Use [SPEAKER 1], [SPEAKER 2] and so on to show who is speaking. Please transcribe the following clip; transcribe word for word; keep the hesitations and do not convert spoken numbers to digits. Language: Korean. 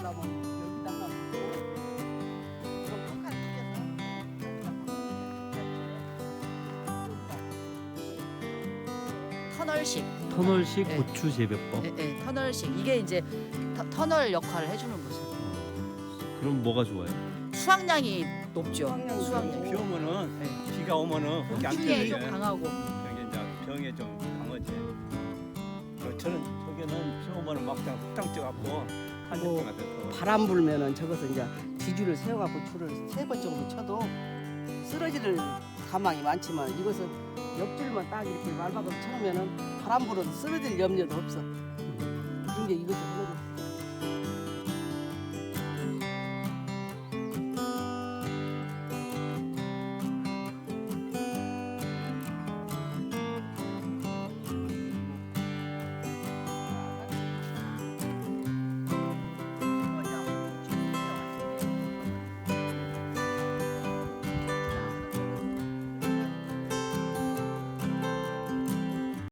[SPEAKER 1] 하려면 여기다가 그럼 한칸 튀겨서
[SPEAKER 2] 터널식.
[SPEAKER 3] 터널식
[SPEAKER 2] 네.
[SPEAKER 3] 고추 재배법.
[SPEAKER 2] 네, 네, 터널식. 이게 이제 터, 터널 역할을 해주는 거죠.
[SPEAKER 3] 그럼 뭐가 좋아요?
[SPEAKER 2] 수확량이 높죠.
[SPEAKER 1] 수확량이
[SPEAKER 2] 수확량.
[SPEAKER 4] 비 오면은
[SPEAKER 2] 네.
[SPEAKER 4] 비가 오면은 거기 안
[SPEAKER 2] 추위에
[SPEAKER 4] 펴요.
[SPEAKER 2] 좀 강하고.
[SPEAKER 4] 여기 이제 병에 좀 강하지. 그 저는 저기는 비 오면은 막상 흙탕 쪄갖고 한여병 같아서.
[SPEAKER 1] 바람 불면은 저것을 이제 지주를 세워갖고 줄을 세 번 정도 쳐도 쓰러지를 가망이 많지만 이것은 옆줄만 딱 이렇게 말박으로 쳐놓으면은 바람 불어도 쓰러질 염려도 없어. 그런 게 이것도 하는 거.